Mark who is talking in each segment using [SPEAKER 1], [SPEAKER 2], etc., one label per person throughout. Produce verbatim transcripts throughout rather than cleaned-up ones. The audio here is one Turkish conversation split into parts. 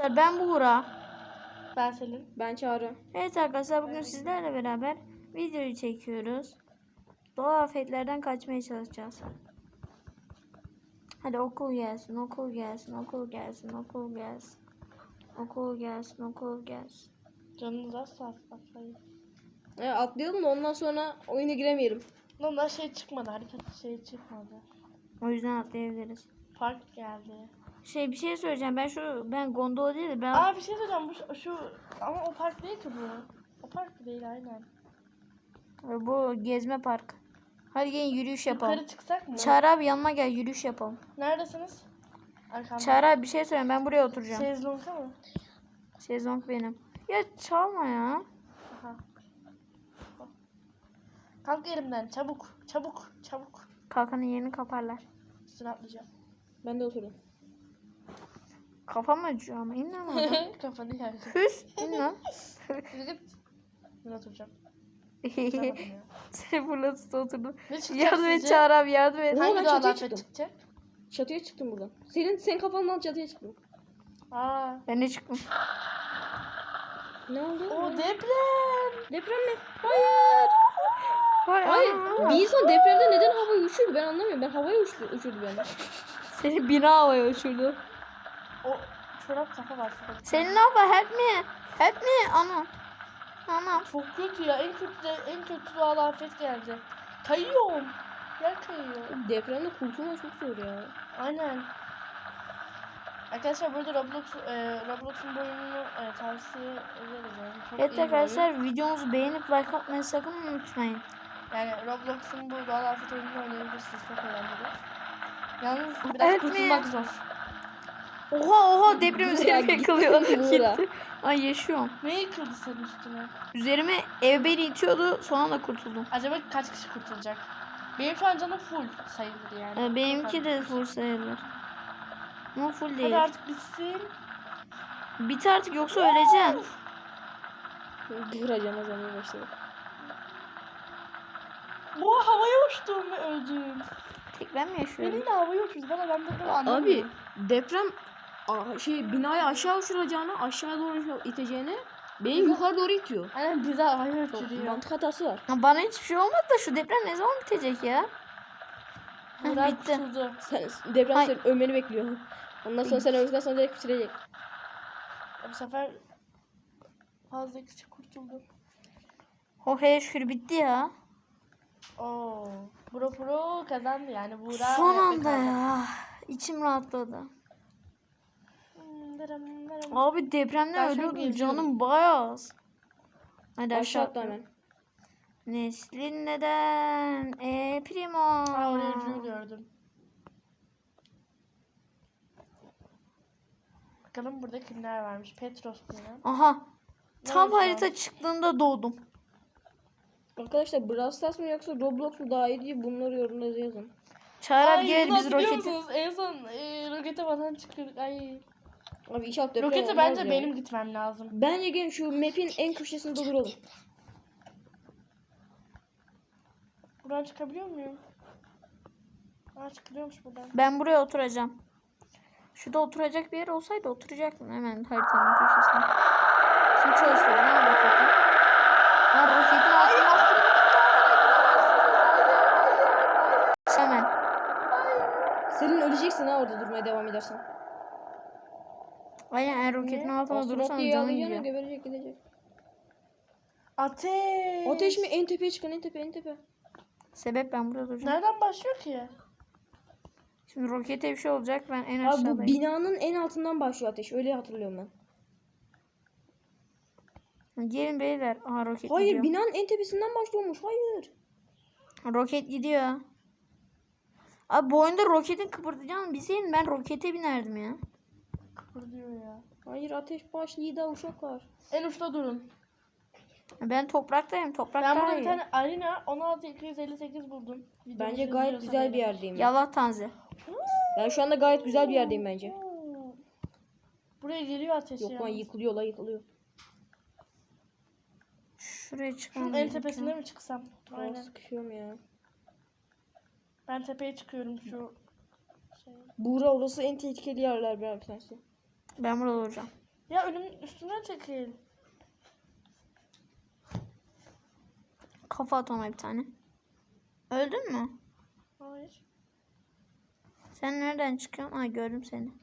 [SPEAKER 1] Arkadaşlar ben Buğra.
[SPEAKER 2] Ben Selin.
[SPEAKER 3] Ben Çağrı.
[SPEAKER 1] Evet arkadaşlar bugün sizlerle beraber videoyu çekiyoruz. Doğal afetlerden kaçmaya çalışacağız. Hadi okul gelsin, okul gelsin, okul gelsin, okul gelsin. Okul gelsin, okul gelsin.
[SPEAKER 2] Canınız az saat atlayın.
[SPEAKER 3] E, atlayalım da ondan sonra oyuna giremeyelim.
[SPEAKER 2] Ondan şey çıkmadı. Harita şey çıkmadı.
[SPEAKER 1] O yüzden atlayabiliriz.
[SPEAKER 2] Park geldi.
[SPEAKER 1] Şey bir şey söyleyeceğim. Ben şu ben gondola değil de ben
[SPEAKER 2] Aa bir şey söyleyeceğim. Bu şu, şu ama o park değil ki bu. O park değil aynen.
[SPEAKER 1] bu gezme park. Hadi gelin yürüyüş yapalım.
[SPEAKER 2] Yukarı çıksak mı?
[SPEAKER 1] Çağrı abi yanıma gel yürüyüş yapalım.
[SPEAKER 2] Neredesiniz? Arkamda.
[SPEAKER 1] Çağrı abi bir şey söyleyeyim ben buraya oturacağım.
[SPEAKER 2] Şezlong'da mı?
[SPEAKER 1] Şezlong benim. Ya çalma ya.
[SPEAKER 2] Aha. Kalk yerimden çabuk. Çabuk. Çabuk.
[SPEAKER 1] Kalkanın yerini kaparlar.
[SPEAKER 2] Üstüne atlayacağım.
[SPEAKER 3] Ben de oturdum.
[SPEAKER 1] Kafam acıyor ama in lan oradan.
[SPEAKER 2] Kafanı yersin.
[SPEAKER 1] Hüs in lan.
[SPEAKER 2] Git. Ben oturacağım. Tutamadım ya.
[SPEAKER 1] Seni fırlatıp oturdum.
[SPEAKER 2] Ne çıkacak
[SPEAKER 1] Yardım et
[SPEAKER 2] sizce?
[SPEAKER 1] Çağrı abi yardım et.
[SPEAKER 3] Oha,
[SPEAKER 2] Hangi
[SPEAKER 3] ben
[SPEAKER 2] doğal
[SPEAKER 3] çatıya
[SPEAKER 2] afet
[SPEAKER 3] çıktım.
[SPEAKER 2] çıkacak?
[SPEAKER 3] Çatıya çıktım buradan. Senin senin kafandan çatıya çıktım.
[SPEAKER 2] Aa.
[SPEAKER 1] Ben de çıktım.
[SPEAKER 3] Ne oldu?
[SPEAKER 2] O deprem.
[SPEAKER 3] Deprem mi? Hayır.
[SPEAKER 1] Hay
[SPEAKER 3] Hayır.
[SPEAKER 1] Allah.
[SPEAKER 3] Bir insan depremde neden havaya uçuyor? Ben anlamıyorum. Ben havaya uçtu, uçurdu beni.
[SPEAKER 1] Seni bina havaya uçurdu.
[SPEAKER 2] O çorap kafa var şurada.
[SPEAKER 1] Senin ne yapar? Help me. Help me. Ana. Ana.
[SPEAKER 2] Çok kötü ya. En kötü de, en kötü doğal afet geldi. Kayıyorum. Yer kayıyor.
[SPEAKER 3] Depremde kurtulma çok zor ya.
[SPEAKER 2] Aynen. Arkadaşlar burada Roblox e, Roblox'un bu oyununu e, tavsiye ederiz. Yani. Çok
[SPEAKER 1] Evet
[SPEAKER 2] iyi bir oyun.
[SPEAKER 1] arkadaşlar videomuzu beğenip like atmayı sakın unutmayın.
[SPEAKER 2] Yani Roblox'un bu doğal afet oyununu oynayabilirsiniz. Çok eğlenceli. Yalnız biraz
[SPEAKER 1] Evet
[SPEAKER 2] kurtulmak
[SPEAKER 1] mi?
[SPEAKER 2] zor.
[SPEAKER 1] Oha oha deprem
[SPEAKER 3] Buğra,
[SPEAKER 1] üzerime
[SPEAKER 3] gittin
[SPEAKER 1] yıkılıyor.
[SPEAKER 3] Buğra.
[SPEAKER 1] Gitti. Ay yaşıyorum.
[SPEAKER 2] Ne yıkıldı senin üstüne?
[SPEAKER 1] Üzerime ev beni itiyordu sonra da kurtuldum.
[SPEAKER 2] Acaba kaç kişi kurtulacak? Benim şu an canım full sayılır yani.
[SPEAKER 1] Ee, benimki
[SPEAKER 2] Çok
[SPEAKER 1] de
[SPEAKER 2] az.
[SPEAKER 1] full sayılır. Ama full değil.
[SPEAKER 2] Hadi artık bitsin.
[SPEAKER 1] Bit artık yoksa öleceğim.
[SPEAKER 3] Buğra cana zamaya başladı.
[SPEAKER 2] Bu havaya uçtum ve öldüm.
[SPEAKER 1] Tek ben mi yaşıyorum?
[SPEAKER 2] Benim de havaya uçmuş. Bana ben de böyle
[SPEAKER 3] Abi
[SPEAKER 2] anlamıyorum.
[SPEAKER 3] deprem a- şey binayı aşağı uçuracağına, aşağı doğru iteceğine beni yukarı doğru itiyor.
[SPEAKER 2] Aynen bize havaya
[SPEAKER 3] Çok
[SPEAKER 2] uçuruyor.
[SPEAKER 3] mantık hatası var.
[SPEAKER 1] Ya bana hiçbir şey olmadı da şu deprem ne zaman bitecek ya? Heh,
[SPEAKER 2] Burak
[SPEAKER 1] bitti.
[SPEAKER 2] kurtuldu.
[SPEAKER 3] Sen deprem
[SPEAKER 1] Ay.
[SPEAKER 3] senin ölmeni bekliyor. Ondan sonra sen öldükten sonra direkt bitirecek.
[SPEAKER 2] Bu sefer fazla kişi kurtuldu.
[SPEAKER 1] Oh hele şükür bitti ya.
[SPEAKER 2] Oo. Bro Pro kazandı yani. Burak
[SPEAKER 1] Son
[SPEAKER 2] hayatta
[SPEAKER 1] anda
[SPEAKER 2] kaldı.
[SPEAKER 1] ya. İçim rahatladı.
[SPEAKER 2] Hmm, dırım, dırım.
[SPEAKER 1] Abi depremden
[SPEAKER 2] Ben şu an
[SPEAKER 1] ölüyordum
[SPEAKER 2] geziyorum.
[SPEAKER 1] canım bayağı az. Hadi
[SPEAKER 3] Aşağı
[SPEAKER 1] aşağı
[SPEAKER 3] atla
[SPEAKER 1] atla.
[SPEAKER 3] hemen.
[SPEAKER 1] Neslin neden? E primo.
[SPEAKER 2] Aa oraya ucunu gördüm. Bakalım burada kimler varmış. Petros diye.
[SPEAKER 1] Aha. Tam
[SPEAKER 2] oldu şu
[SPEAKER 1] harita çıktığında doğdum.
[SPEAKER 3] Arkadaşlar Brawl Stars mı yoksa Roblox mu daha iyi diye bunları yorumlarda yazın.
[SPEAKER 1] Çağrı abi
[SPEAKER 2] Ay,
[SPEAKER 1] gel
[SPEAKER 2] bunu
[SPEAKER 1] biz
[SPEAKER 2] hatırlıyor
[SPEAKER 1] roketi.
[SPEAKER 2] musunuz? En son e, rokete falan çıkıyorduk. Ay.
[SPEAKER 3] Abi inşallah deprem
[SPEAKER 2] Rokete
[SPEAKER 3] olmaz
[SPEAKER 2] bence
[SPEAKER 3] ya.
[SPEAKER 2] benim gitmem lazım.
[SPEAKER 3] Bence gelin şu map'in en köşesinde duralım.
[SPEAKER 2] Buradan çıkabiliyor muyum? Aa çıkılıyormuş buradan.
[SPEAKER 1] Ben buraya oturacağım. Şurada oturacak bir yer olsaydı oturacaktım hemen haritanın köşesine. Kim çalıştırdı lan roketi? Lan roketin altına hemen.
[SPEAKER 3] Senin öleceksin ha orada durmaya devam edersen.
[SPEAKER 1] Aynen eğer roketin
[SPEAKER 2] Ne?
[SPEAKER 1] altına
[SPEAKER 3] Astronot
[SPEAKER 1] durursan
[SPEAKER 3] diye
[SPEAKER 1] canın
[SPEAKER 3] ağlayacağına
[SPEAKER 1] gidiyor.
[SPEAKER 3] geberecek gidecek.
[SPEAKER 2] Ateş.
[SPEAKER 3] Ateş mi? En tepeye çıkın en tepe en tepe.
[SPEAKER 1] Sebep ben burada duracağım.
[SPEAKER 2] Nereden başlıyor ki?
[SPEAKER 1] Şimdi rokete bir şey olacak ben en
[SPEAKER 3] Abi
[SPEAKER 1] aşağıdayım.
[SPEAKER 3] bu binanın en altından başlıyor ateş. Öyle hatırlıyorum ben.
[SPEAKER 1] Gelin beyler. Aha roket
[SPEAKER 3] Hayır
[SPEAKER 1] gidiyor.
[SPEAKER 3] binanın en tepesinden başlıyormuş. Hayır.
[SPEAKER 1] Roket gidiyor. Abi bu oyunda roketin kıpırdayacağını bilseydim ben rokete binerdim ya.
[SPEAKER 2] Kıpırdıyor ya.
[SPEAKER 3] Hayır ateş başlıyor da uşaklar.
[SPEAKER 2] En uçta durun.
[SPEAKER 1] Ben topraktayım. Toprak
[SPEAKER 2] Ben
[SPEAKER 1] daha
[SPEAKER 2] burada bir
[SPEAKER 1] iyi.
[SPEAKER 2] tane arena on altı iki yüz elli sekiz buldum. Videomuzu
[SPEAKER 3] Bence gayet
[SPEAKER 2] izliyorsan
[SPEAKER 3] güzel bir
[SPEAKER 2] eğer.
[SPEAKER 3] yerdeyim. Ben.
[SPEAKER 1] Yallah tanzi.
[SPEAKER 3] Ben şu anda gayet güzel bir yerdeyim bence.
[SPEAKER 2] Oo. Buraya geliyor ateş
[SPEAKER 3] Yok lan
[SPEAKER 2] yalnız.
[SPEAKER 3] yıkılıyor la yıkılıyor.
[SPEAKER 1] Şuraya çıkalım.
[SPEAKER 2] Şunun en tepesine mi çıksam?
[SPEAKER 3] Aynen.
[SPEAKER 2] Aynen.
[SPEAKER 3] Sıkışıyorum ya.
[SPEAKER 2] Ben tepeye çıkıyorum şu şey.
[SPEAKER 3] Buğra orası en tehlikeli yerler bir tanesi.
[SPEAKER 1] Ben burada olacağım.
[SPEAKER 2] Ya önümün üstünden çekil.
[SPEAKER 1] Kafa at ona bir tane. Öldün mü?
[SPEAKER 2] Hayır.
[SPEAKER 1] Sen nereden çıkıyorsun? Ay gördüm seni.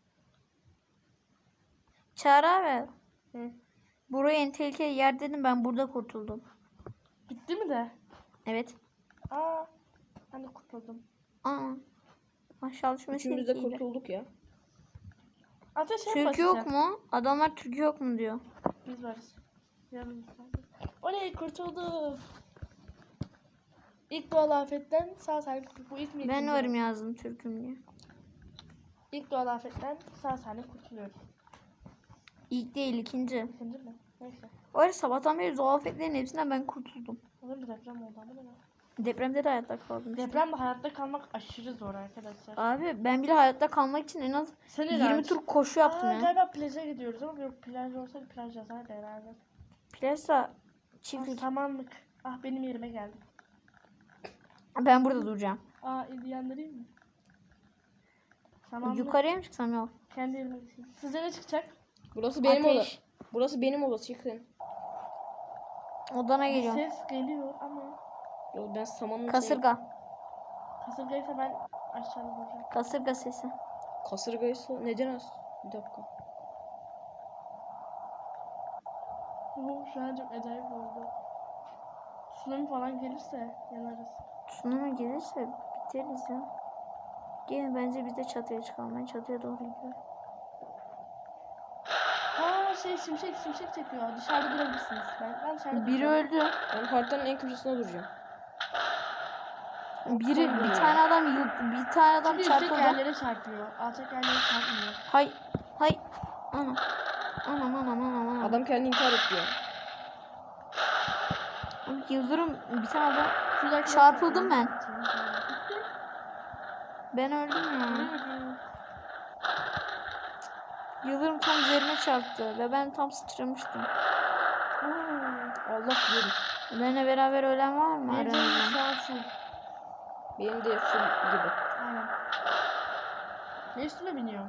[SPEAKER 1] Çağrı abi.
[SPEAKER 2] Hı.
[SPEAKER 1] Burayı en tehlikeli yer dedim, ben burada kurtuldum.
[SPEAKER 2] Bitti mi de?
[SPEAKER 1] Evet.
[SPEAKER 2] Aa. Ben de kurtuldum.
[SPEAKER 1] Aa. Maşallah şu
[SPEAKER 3] Üçümüz de
[SPEAKER 1] meseleyi.
[SPEAKER 3] kurtulduk ya.
[SPEAKER 2] Ateş en
[SPEAKER 1] Türk
[SPEAKER 2] basiti.
[SPEAKER 1] yok mu? Adamlar Türk yok mu diyor.
[SPEAKER 2] Biz varız. Yarın. Oley kurtuldum. İlk doğal afetten sağ salim kurtuldum. Bu ilk mi?
[SPEAKER 1] Ben
[SPEAKER 2] ikinci
[SPEAKER 1] varım
[SPEAKER 2] mi?
[SPEAKER 1] yazdım Türk'üm diye.
[SPEAKER 2] İlk doğal afetten sağ salim kurtuluyorum.
[SPEAKER 1] İlk değil, ikinci.
[SPEAKER 2] İkinci mi? Neyse.
[SPEAKER 1] O ara sabahtan beri doğal afetlerin hepsinden ben kurtuldum.
[SPEAKER 2] Olur mu deprem oldu ama ne?
[SPEAKER 1] Depremde de hayatta kaldım işte.
[SPEAKER 2] Depremde hayatta kalmak aşırı zor arkadaşlar.
[SPEAKER 1] Abi ben bile hayatta kalmak için en az
[SPEAKER 2] Sen
[SPEAKER 1] yirmi tur koşu yaptım
[SPEAKER 2] Aa,
[SPEAKER 1] ya.
[SPEAKER 2] galiba plaja gidiyoruz ama yok plaj olsaydı plaj yazardı herhalde.
[SPEAKER 1] Plasa
[SPEAKER 2] Ah,
[SPEAKER 1] çiftlik.
[SPEAKER 2] samanlık. Ah benim yerime geldi.
[SPEAKER 1] Ben burada duracağım.
[SPEAKER 2] Aa ilgilendireyim mi? Samanlık.
[SPEAKER 1] Yukarıya mı çıksam, yok.
[SPEAKER 2] Kendi yerime düşeyim. Sizce ne çıkacak?
[SPEAKER 3] Burası benim oda.
[SPEAKER 1] Ateş.
[SPEAKER 3] Burası benim odası, çıkın.
[SPEAKER 1] Odana
[SPEAKER 2] Bir
[SPEAKER 1] geliyorum.
[SPEAKER 2] ses geliyor ama
[SPEAKER 3] Yo, ben samanın
[SPEAKER 1] Kasırga.
[SPEAKER 2] kasırgaysa ben aşağıda duracağım.
[SPEAKER 1] Kasırga sesi.
[SPEAKER 3] Kasırgaysa neden az? Bir dakika.
[SPEAKER 2] Oo, şu an çok acayip oldu. Tsunami falan gelirse yanarız.
[SPEAKER 1] Tsunami gelirse biteriz ya. Gelin bence biz de çatıya çıkalım. Ben çatıya doğru gidiyorum.
[SPEAKER 2] Ha şey şimşek şimşek çekiyor. Dışarıda durabilirsiniz. Ben, ben dışarıda
[SPEAKER 1] Biri
[SPEAKER 2] duracağım.
[SPEAKER 1] öldü.
[SPEAKER 3] Ben haritanın en köşesine duracağım.
[SPEAKER 1] Biri bir tane adam yıl- bir tane adam
[SPEAKER 2] Çünkü yüksek
[SPEAKER 1] çarpıldı.
[SPEAKER 2] yerlere çarpıyor. Alçak yerlere çarpmıyor.
[SPEAKER 1] Hay hay. Ana. Anam anam anam anam.
[SPEAKER 3] Adam kendini intihar etti ya.
[SPEAKER 1] Abi Yıldırım bir tane adam.
[SPEAKER 2] Şuradaki
[SPEAKER 1] Çarpıldım ben.
[SPEAKER 2] Bitti.
[SPEAKER 1] Ben öldüm ya.
[SPEAKER 2] Öldüm.
[SPEAKER 1] Yıldırım tam üzerime çarptı ve ben tam sıçramıştım.
[SPEAKER 2] Oo.
[SPEAKER 3] Allah bilir.
[SPEAKER 1] Benimle beraber ölen var mı
[SPEAKER 2] Benim canım
[SPEAKER 1] aranızda?
[SPEAKER 2] şu an full.
[SPEAKER 3] Benim de şu gibi.
[SPEAKER 2] Aynen. Ne üstüme biniyorum?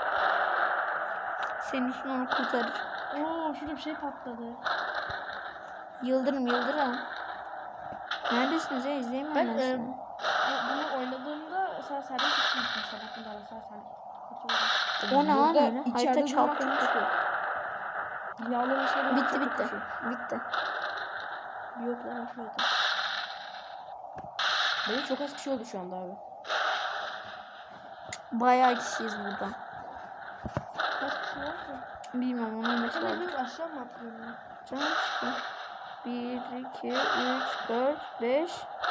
[SPEAKER 1] Senin üstüne onu kurtarır.
[SPEAKER 2] Oo şurada bir şey patladı.
[SPEAKER 1] Yıldırım Yıldırım. Neredesiniz ya? İzleyemiyorum
[SPEAKER 2] Ben
[SPEAKER 1] ben,
[SPEAKER 2] e,
[SPEAKER 1] sizi.
[SPEAKER 2] bu- bunu oynadığımda sağ salim tutmuştum sabahtan beri sağ salim. Kurtuldum.
[SPEAKER 1] O ne lan
[SPEAKER 3] Burada
[SPEAKER 1] öyle?
[SPEAKER 3] içeride
[SPEAKER 1] Harita
[SPEAKER 3] durmak çok
[SPEAKER 1] çarpılmış.
[SPEAKER 3] kötü. Binaların içine durmak
[SPEAKER 1] Bitti
[SPEAKER 3] çok
[SPEAKER 1] bitti.
[SPEAKER 3] kötü.
[SPEAKER 1] Bitti.
[SPEAKER 3] Yok lan şurada. Benim çok az kişi oldu şu anda abi.
[SPEAKER 1] Bayağı kişiyiz burada.
[SPEAKER 2] Kaç kişi var ki?
[SPEAKER 1] Bilmiyorum onun beş
[SPEAKER 2] Ben
[SPEAKER 1] var.
[SPEAKER 2] hepimiz aşağı mı atlıyorum? ya?
[SPEAKER 1] Canım işte. bir, iki, üç, dört, beş.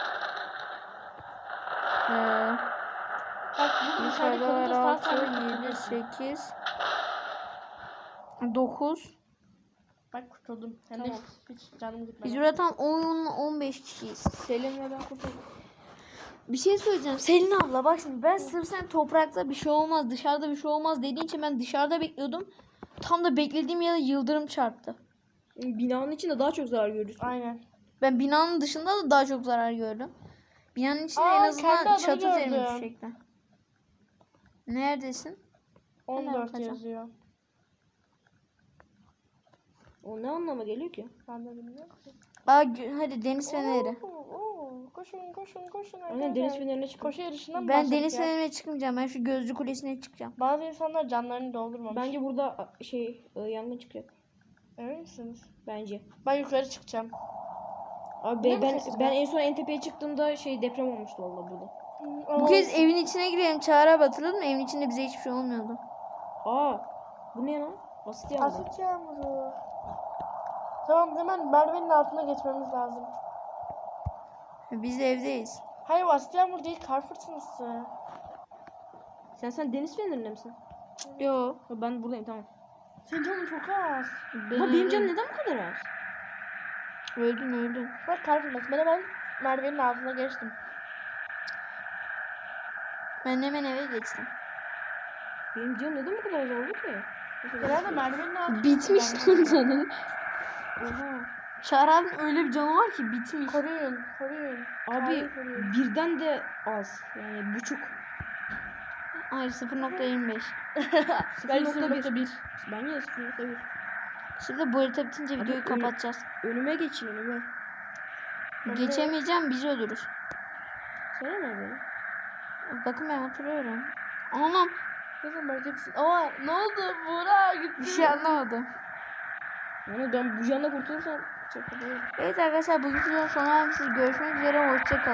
[SPEAKER 1] Ee,
[SPEAKER 2] Bak bu dışarıda
[SPEAKER 1] yukarıda var
[SPEAKER 2] kalınca sağ
[SPEAKER 1] altı,
[SPEAKER 2] salim
[SPEAKER 1] yedi,
[SPEAKER 2] kurtuluyorsun.
[SPEAKER 1] sekiz, dokuz.
[SPEAKER 2] Bak kurtuldum. Hem de
[SPEAKER 3] Tamam.
[SPEAKER 2] hiç, hiç canım gitmedi.
[SPEAKER 1] Biz burada tam on on beş kişiyiz.
[SPEAKER 3] Selim ve ben kurtuldum.
[SPEAKER 1] Bir şey söyleyeceğim. Selin abla bak şimdi ben sırf sen toprakta bir şey olmaz, dışarıda bir şey olmaz dediğin için ben dışarıda bekliyordum. Tam da beklediğim yere yıldırım çarptı.
[SPEAKER 3] Binanın içinde daha çok zarar görürsün.
[SPEAKER 2] Aynen.
[SPEAKER 1] Ben binanın dışında da daha çok zarar gördüm. Binanın içinde
[SPEAKER 2] Aa,
[SPEAKER 1] en
[SPEAKER 2] kendi
[SPEAKER 1] azından
[SPEAKER 2] adımı
[SPEAKER 1] çatı üzerime
[SPEAKER 2] gördüm.
[SPEAKER 1] düşecekti. Neredesin?
[SPEAKER 2] on dört
[SPEAKER 1] bakacağım.
[SPEAKER 2] yazıyor.
[SPEAKER 3] O ne anlama geliyor ki?
[SPEAKER 2] Ben de bilmiyorum ki.
[SPEAKER 1] Aa, gö- hadi deniz feneri.
[SPEAKER 2] Oo, oo, koşun koşun koşun.
[SPEAKER 3] Aynen
[SPEAKER 2] arkadaşlar.
[SPEAKER 3] deniz fenerine çıkın.
[SPEAKER 2] Koşu yarışından mı
[SPEAKER 1] Ben
[SPEAKER 2] başladık
[SPEAKER 1] deniz
[SPEAKER 2] ya?
[SPEAKER 1] fenerine çıkmayacağım. Ben şu gözlü kulesine çıkacağım.
[SPEAKER 2] Bazı insanlar canlarını doldurmamış.
[SPEAKER 3] Bence burada şey e, yangın çıkacak.
[SPEAKER 2] Emin misiniz?
[SPEAKER 3] Bence.
[SPEAKER 2] Ben yukarı çıkacağım.
[SPEAKER 3] Abi
[SPEAKER 2] Ne
[SPEAKER 3] ben, ben,
[SPEAKER 2] sesi
[SPEAKER 3] ben
[SPEAKER 2] be?
[SPEAKER 3] en son en tepeye çıktığımda şey deprem olmuştu vallahi burada.
[SPEAKER 1] Bu kez evin içine girelim. Çağrı abi hatırladın mı? Evin içinde bize hiçbir şey olmuyordu.
[SPEAKER 3] Aa, bu ne lan? Basit yağmur.
[SPEAKER 2] Asit yağmuru. Tamam hemen merdivenin altına geçmemiz lazım.
[SPEAKER 1] Biz de evdeyiz.
[SPEAKER 2] Hayır asit yağmur değil kar fırtınası.
[SPEAKER 3] Sen sen deniz fenerinde misin?
[SPEAKER 1] Yok.
[SPEAKER 3] Ha, ben buradayım tamam.
[SPEAKER 2] Senin canın çok az.
[SPEAKER 3] Ama benim canım neden bu kadar az?
[SPEAKER 1] Öldüm öldüm.
[SPEAKER 2] Bak kar fırtınası. Ben hemen merdivenin altına geçtim.
[SPEAKER 1] Ben hemen eve geçtim.
[SPEAKER 3] Benim canım neden bu kadar az oldu ki?
[SPEAKER 2] Genelde merdivenin altına.
[SPEAKER 1] Bitmiş lan canın.
[SPEAKER 3] Oha.
[SPEAKER 1] Çağrı abinin öyle bir canı var ki bitmiş.
[SPEAKER 2] Koruyun, koruyun.
[SPEAKER 3] Abi
[SPEAKER 2] Hayır, koruyun.
[SPEAKER 3] birden de az. Yani buçuk.
[SPEAKER 1] Hayır sıfır nokta yirmi beş.
[SPEAKER 2] Bence
[SPEAKER 3] sıfır nokta
[SPEAKER 2] sıfır nokta bir.
[SPEAKER 3] Bence de sıfır nokta bir.
[SPEAKER 1] Şimdi bu harita bitince
[SPEAKER 3] Abi
[SPEAKER 1] videoyu
[SPEAKER 3] öyle-
[SPEAKER 1] kapatacağız.
[SPEAKER 3] Önüme geçin önüme.
[SPEAKER 1] Geçemeyeceğim biz ölürüz.
[SPEAKER 3] Sana ne böyle?
[SPEAKER 1] Bakın ben oturuyorum. Anam
[SPEAKER 2] Neyse marketsin. Ama ne oldu? Buğra gitti.
[SPEAKER 1] bir şey anlamadım.
[SPEAKER 3] Yani ben bu canla kurtulursam çok kötü olur.
[SPEAKER 1] Evet arkadaşlar bugün videonun sonuna gelmişiz. Görüşmek üzere. Hoşçakalın.